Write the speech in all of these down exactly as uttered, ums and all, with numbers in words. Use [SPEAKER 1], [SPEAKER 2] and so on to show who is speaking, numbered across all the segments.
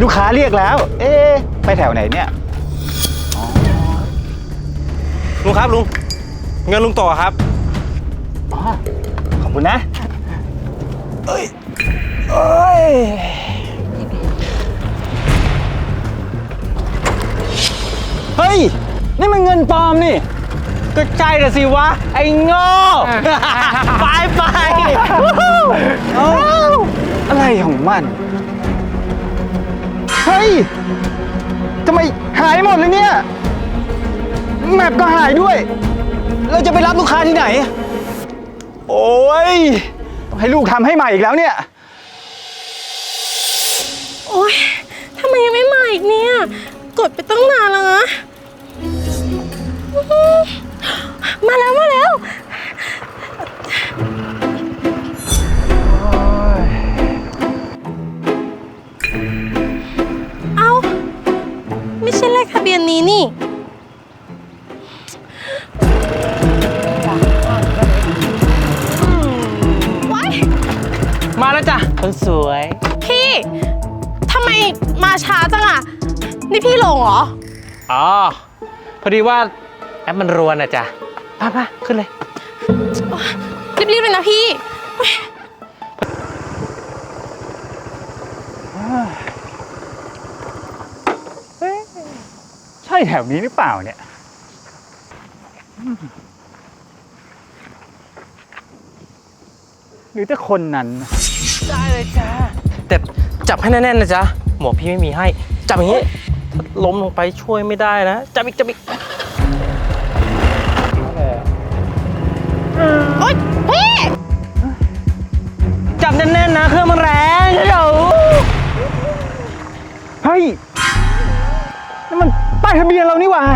[SPEAKER 1] ลูกค้าเรียกแล้ว เอ๊ะไปแถวไหนเนี่ย
[SPEAKER 2] ลุงครับลุงเงินลุงต่อครับ
[SPEAKER 1] อ๋อขอบคุณนะเอ้ยเอ้ยเฮ้ยนี่มันเงินปลอมนี่
[SPEAKER 2] ก็ใช่ละสิวะไอ้โง่ไปไป
[SPEAKER 1] อะไรของมันเฮ้ยทำไมหายหมดเลยเนี่ยแมปก็หายด้วยเราจะไปรับลูกค้าที่ไหนโอ้ยต้องให้ลูกทำให้ใหม่อีกแล้วเนี่ย
[SPEAKER 3] โอ๊ยทำไมยังไม่มาอีกเนี่ยกดไปตั้งนานแล้วนะมาแล้วมาแล้วเอ้าไม่ใช่เลขทะเบียนนี้นี่
[SPEAKER 2] มาแล้วจ้ะคนสวย
[SPEAKER 3] พี่ทำไมมาช้าจังอ่ะนี่พี่ลงเหรอ
[SPEAKER 2] อ๋อพอดีว่าแอปมันรวนอ่ะจ้ะมามาขึ้นเลย
[SPEAKER 3] รีบๆเลยนะพี่
[SPEAKER 1] ใช่แถวนี้หรือเปล่าเนี่ยหรือจะคนนั้น
[SPEAKER 2] ได้เลยจ้าแต่จับให้แน่นๆนะจ๊ะหมวกพี่ไม่มีให้จับอย่างนี้ถ้าล้มลงไปช่วยไม่ได้นะจับอีกจับอีก
[SPEAKER 3] โอ๊ยพี่
[SPEAKER 2] จับแน่นๆนะเครื่องมันแรงเดี๋ยว
[SPEAKER 1] เฮ้ยนี่มันป้ายทะเบียนเรานี่หว่า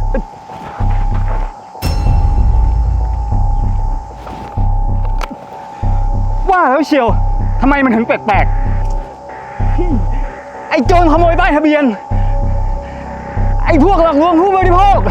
[SPEAKER 1] ว่าแล้วเชียวทำไมมันถึงแปลกๆไอ้โจรขโมยป้ายทะเบียนไอ้พวกหลอกลวงผู้บริโภค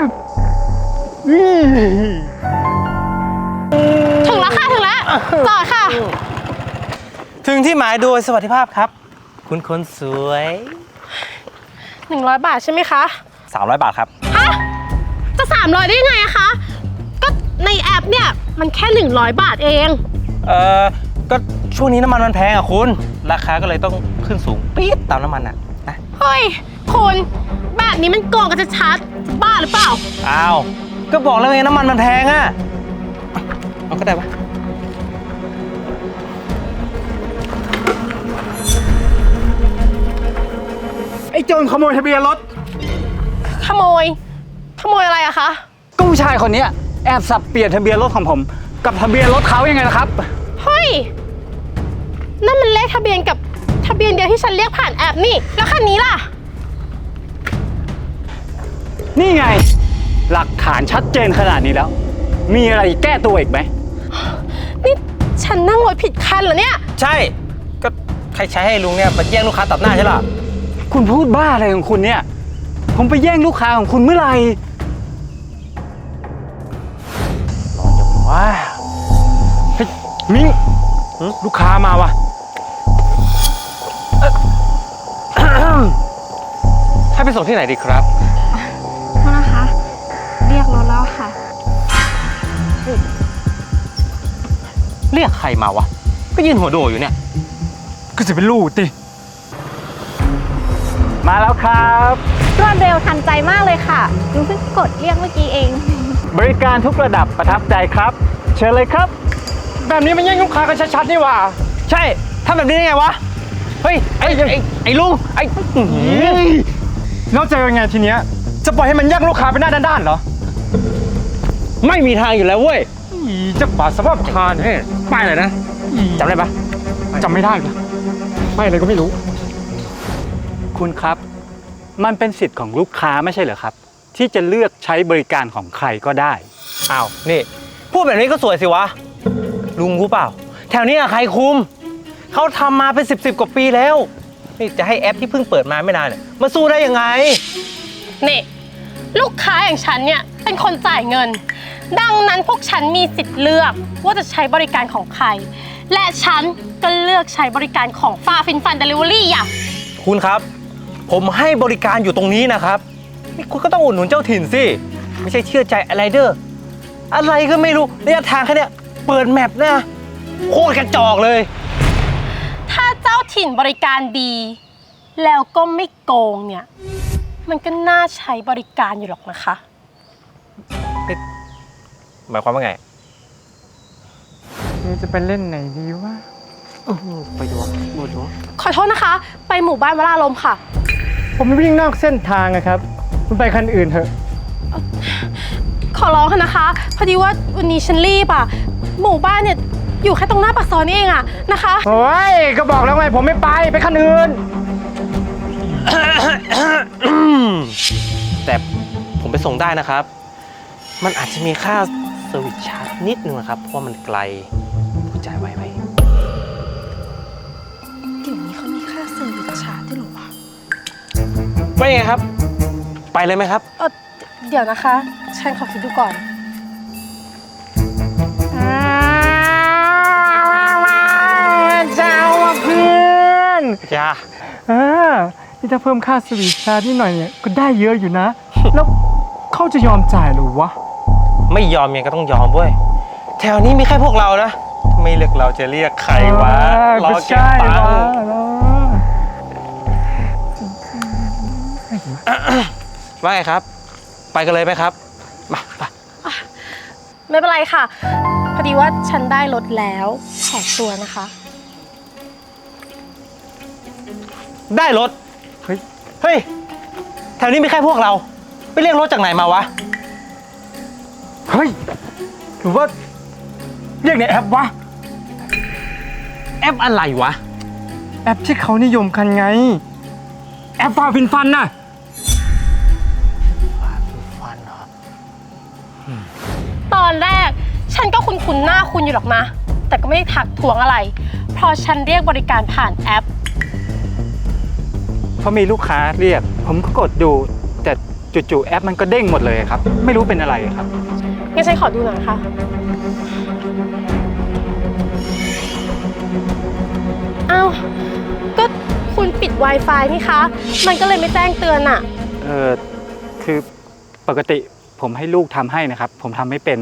[SPEAKER 3] ถึงแล้วค่ะถึงแล้วจอดค่ะ
[SPEAKER 2] ถึงที่หมายโดยสวัสดิภาพครับคุณคนสวย
[SPEAKER 3] หนึ่งร้อยบาทใช่ไหมคะ
[SPEAKER 2] สามร้อยบาทครับ
[SPEAKER 3] ฮะจะสามร้อยได้ไงอะคะก็ในแอปเนี่ยมันแค่หนึ่งร้อยบาทเอง
[SPEAKER 2] เออก็ช่วงนี้น้ำมันมันแพงอ่ะคุณราคาก็เลยต้องขึ้นสูงปี๊ดตามน้ำมันอ่ะนะ
[SPEAKER 3] เฮ้ยคุณแบบนี้มันโกงกันจะชัดบ้าหรือเปล่า
[SPEAKER 2] อ้าวก็บอกแล้วไงน้ำมันมันแพงอ่ะเอาก็ได้ปะ
[SPEAKER 1] ไอ้โจรขโมยทะเบียนรถ
[SPEAKER 3] ขโมยขโมยอะไรอะคะ
[SPEAKER 1] ก็ผู้ชายคนนี้แอบสับเปลี่ยนทะเบียนรถของผมกับทะเบียนรถเขายังไงล่ะครับ
[SPEAKER 3] เฮ้ยนั่นมันเลขทะเบียนกับทะเบียนเดียวที่ฉันเรียกผ่านแอปนี่แล้วคันนี้ล่ะ
[SPEAKER 1] นี่ไงหลักฐานชัดเจนขนาดนี้แล้วมีอะไรแก้ตัวอีกไหม
[SPEAKER 3] นี่ฉันนั่งรถผิดคันเหรอเนี่ย
[SPEAKER 2] ใช่ก็ใครใช้ให้ลุงเนี่ยมาแย่งลูกค้าตัดหน้าใช่หรอ
[SPEAKER 1] คุณพูดบ้าอะไรของคุณเนี่ยผมไปแย่งลูกค้าของคุณเมื่อไหร่
[SPEAKER 2] ร้อนจังวะ
[SPEAKER 1] เฮ้ยมิ้งลูกค้ามาวะ
[SPEAKER 2] ให้ไปส่งที่ไหนดีครับ
[SPEAKER 4] โทษนะคะเรียกรถแล้วค่ะ
[SPEAKER 2] เรียกใครมาวะก็ยืนหัวโดอยู่เนี่ย
[SPEAKER 1] ก็จะเป็นลูกติมาแล้วครับ
[SPEAKER 4] รวดเร็วทันใจมากเลยค่ะลุงเพิ่งกดเรียกเมื่อกี้เอง
[SPEAKER 1] บริการทุกระดับประทับใจครับเชิญเลยครับแบบนี้มันแย่งลูกค้ากันชัดๆนี่หว่า
[SPEAKER 2] ใช่ทำแบบนี้ได้ไงวะเฮ้ยไอ้ไอ้ไอ้ลุงไอ้
[SPEAKER 1] แล้วจะยังไงทีเนี้ยจะปล่อยให้มันแย่งลูกค้าไปหน้าด้านๆเหรอ
[SPEAKER 2] ไม่มีทางอยู่แล้วเว้ย
[SPEAKER 1] จะบาดสภาพคานให้
[SPEAKER 2] ป้ายอะไรนะจำได้ปะ
[SPEAKER 1] จำไม่ได้ปะป้ายอะไรก็ไม่รู้คุณครับมันเป็นสิทธิ์ของลูกค้าไม่ใช่เหรอครับที่จะเลือกใช้บริการของใครก็ได้
[SPEAKER 2] อ้าวนี่พูดแบบนี้ก็สวยสิวะลุงรู้เปล่าแถวนี้ใครคุมเขาทำมาเป็นสิบสิบกว่าปีแล้วนี่จะให้แอปที่เพิ่งเปิดมาไม่นานเนี่ยมาสู้ได้ยังไง
[SPEAKER 3] นี่ลูกค้าอย่างฉันเนี่ยเป็นคนจ่ายเงินดังนั้นพวกฉันมีสิทธิ์เลือกว่าจะใช้บริการของใครและฉันก็เลือกใช้บริการของฟาฟินฟันเดลิเวอรี่อ่ะ
[SPEAKER 2] คุณครับ ผมให้บริการอยู่ตรงนี้นะครับนี่คุณก็ต้องอุดหนุนเจ้าถิ่นสิ ไม่ใช่เชื่อใจอะไรเด้ออะไรก็ไม่รู้ระยะทางแค่เนี้ยเปิดแมปนะโคตรกระจอกเลย
[SPEAKER 3] ถ้าเจ้าถิ่นบริการดี แล้วก็ไม่โกงเนี่ย มันก็น่าใช้บริการอยู่หรอกนะคะ
[SPEAKER 2] หมายความว่าไง
[SPEAKER 1] นี่จะไปเล่นไหนดีวะ
[SPEAKER 2] ไปดูหมดดู
[SPEAKER 3] ขอโทษนะคะ ไปหมู่บ้านวราลมค่ะ
[SPEAKER 1] ผมวิ่งนอกเส้นทางอะครับ คุณไปคันอื่นเถอะ
[SPEAKER 3] ขอร้องค่ะนะคะ พอดีว่าวันนี้ฉันรีบอ่ะ หมู่บ้านเนี่ยอยู่แค่ตรงหน้าปากซอยนี่เองอะนะคะ
[SPEAKER 1] โอ้ย ก็บอกแล้วไงผมไม่ไป ไปคันอื่น
[SPEAKER 2] แต่ผมไปส่งได้นะครับ มันอาจจะมีค่าเซอร์วิสชาร์จนิดนึงนะครับ เพราะว่ามันไกลผู้จ่ายไว้ไหม
[SPEAKER 3] เดี๋ยวนี้เขามีค่าเซอร์วิสชาร์จด้วยเหรอวะ
[SPEAKER 2] ไม่ไงครับ ไปเลยไหมครับ
[SPEAKER 3] เออเดี๋ยวนะคะ ฉันขอคิดดูก่อน
[SPEAKER 1] เจ้าเพื่อน
[SPEAKER 2] จ้า
[SPEAKER 1] อ่านี่ถ้าเพิ่มค่าสวีทชาร์จนิดหน่อยเนี่ยก็ได้เยอะอยู่นะ แล้วเขาจะยอมจ่ายหรือวะ
[SPEAKER 2] ไม่ยอมยังก็ต้องยอมเว้ย แถวนี้มีแค่พวกเรานะ ไม่เลือกเราจะเรียกใครวะ รอเก็บตังค์ว่าไงครับ ไปกันเลยไหมครับ มาไป
[SPEAKER 3] ไม่เป็นไรค่ะ พอดีว่าฉันได้รถแล้วขอตัวนะคะ
[SPEAKER 2] ได้รถ
[SPEAKER 1] เฮ้ย
[SPEAKER 2] เฮ้ย แถวนี้มีแค่พวกเรา ไปเรียกรถจากไหนมาวะ
[SPEAKER 1] เฮ้ย หรือว่าเรียกในแอปวะ
[SPEAKER 2] แอปอะไรวะ
[SPEAKER 1] แอปที่เขานิยมกันไง แอปฟาฟินฟันน่ะ
[SPEAKER 2] ฟันเหรอ
[SPEAKER 3] ตอนแรกฉันก็คุ้นๆหน้าคุณอยู่หรอกนะ แต่ก็ไม่ได้ถักทวงอะไร เพราะฉันเรียกบริการผ่านแอป
[SPEAKER 1] พอมีลูกค้าเรียก ผมก็กดดู แต่จู่ๆแอปมันก็เด้งหมดเลยครับ ไม่รู้เป็นอะไรครับ
[SPEAKER 3] งั้นฉันขอดูหน่อยนะคะอ้าว ก็คุณปิด Wi-Fi นี่คะ มันก็เลยไม่แจ้งเตือนอะ
[SPEAKER 1] เออคือปกติผมให้ลูกทำให้นะครับ ผมทำไม่เป็น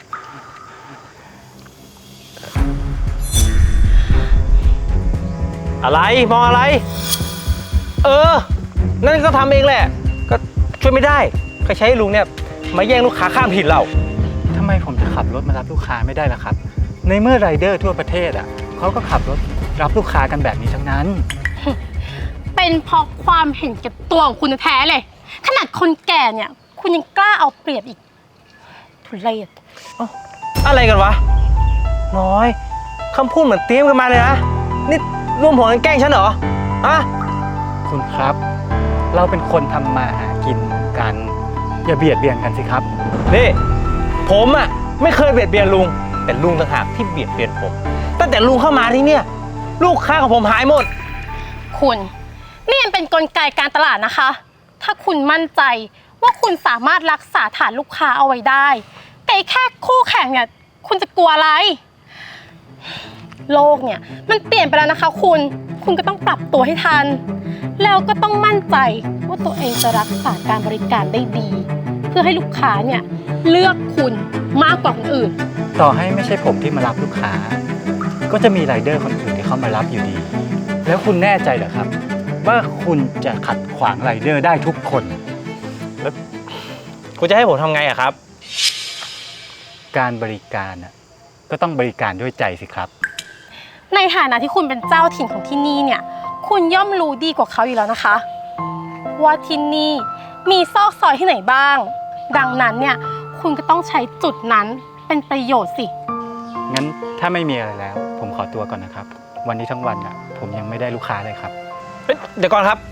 [SPEAKER 2] อะไร มองอะไร เออ นั่นก็ทำเองแหละ ก็ช่วยไม่ได้ ใครใช้ให้ลุงเนี่ย มาแย่งลูกค้าข้ามถิ่นเรา
[SPEAKER 1] ทำไมผมจะขับรถมารับลูกค้าไม่ได้ล่ะครับ ในเมื่อไรเดอร์ทั่วประเทศอ่ะเขาก็ขับรถรับลูกค้ากันแบบนี้ทั้งนั้น
[SPEAKER 3] เป็นเพราะความเห็นแก่ตัวของคุณแท้เลย ขนาดคนแก่เนี่ย คุณยังกล้าเอาเปรียบอีกทุเรศ
[SPEAKER 2] อะไรกันวะ น้อยคำพูดเหมือนเตรียมกันมาเลยนะ นี่ร่วมหัวกันแกล้งฉันเหรออะ
[SPEAKER 1] คุณครับ เราเป็นคนทำมาหากินกัน อย่าเบียดเบียนกันสิครับ
[SPEAKER 2] นี่ผมอะไม่เคยเบียดเบียนลุง แต่ลุงต่างหากที่เบียดเบียนผม ตั้งแต่ลุงเข้ามาที่เนี่ย ลูกค้าของผมหายหมด
[SPEAKER 3] คุณนี่มันเป็นกลไกการตลาดนะคะ ถ้าคุณมั่นใจว่าคุณสามารถรักษาฐานลูกค้าเอาไว้ได้ แต่แค่คู่แข่งเนี่ยคุณจะกลัวอะไร โลกเนี่ยมันเปลี่ยนไปแล้วนะคะคุณ คุณก็ต้องปรับตัวให้ทัน แล้วก็ต้องมั่นใจว่าตัวเองจะรักษาการบริการได้ดี เพื่อให้ลูกค้าเนี่ยเลือกคุณมากกว่าคนอื่น
[SPEAKER 1] ต่อให้ไม่ใช่ผมที่มารับลูกค้า ก็จะมีไรเดอร์คนอื่นที่เขามารับอยู่ดี แล้วคุณแน่ใจเหรอครับ ว่าคุณจะขัดขวางไรเดอร์ได้ทุกคน
[SPEAKER 2] คุณจะให้ผมทำไงอะครับ
[SPEAKER 1] การบริการน่ะก็ต้องบริการด้วยใจสิครับ
[SPEAKER 3] ในฐานะที่คุณเป็นเจ้าถิ่นของที่นี่เนี่ย คุณย่อมรู้ดีกว่าเขาอยู่แล้วนะคะ ว่าที่นี่มีซอกซอยที่ไหนบ้าง ดังนั้นเนี่ยคุณก็ต้องใช้จุดนั้นเป็นประโยชน์สิ
[SPEAKER 1] งั้นถ้าไม่มีอะไรแล้ว ผมขอตัวก่อนนะครับ วันนี้ทั้งวันอ่ะผมยังไม่ได้ลูกค้าเลยครับ
[SPEAKER 2] เฮ้ยเดี๋ยวก่อนครับ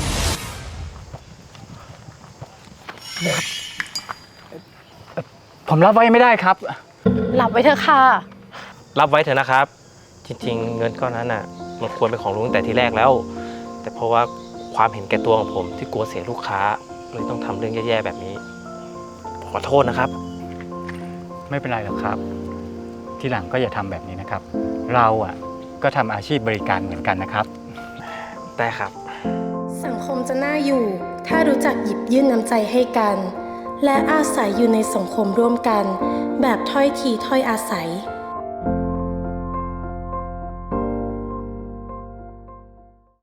[SPEAKER 1] ผมรับไว้ไม่ได้ครับ
[SPEAKER 3] หลับไว้เถอะค่ะ
[SPEAKER 2] รับไว้เถอะนะครับ จริงๆ เงินก้อนนั้นน่ะมันควรเป็นของลุงตั้งแต่ทีแรกแล้ว แต่เพราะว่าความเห็นแก่ตัวของผมที่กลัวเสียลูกค้าเลยต้องทำเรื่องแย่ๆแบบนี้ขอโทษนะครับ
[SPEAKER 1] ไม่เป็นไรหรอกครับ ทีหลังก็อย่าทำแบบนี้นะครับ เราอ่ะก็ทำอาชีพบริการเหมือนกันนะครับ
[SPEAKER 2] ได้ครับ
[SPEAKER 1] ค
[SPEAKER 3] สังคมจะน่าอยู่ ถ้ารู้จักหยิบยื่นน้ำใจให้กัน และอาศัยอยู่ในสังคมร่วมกัน แบบถ้อยทีถ้อยอาศัย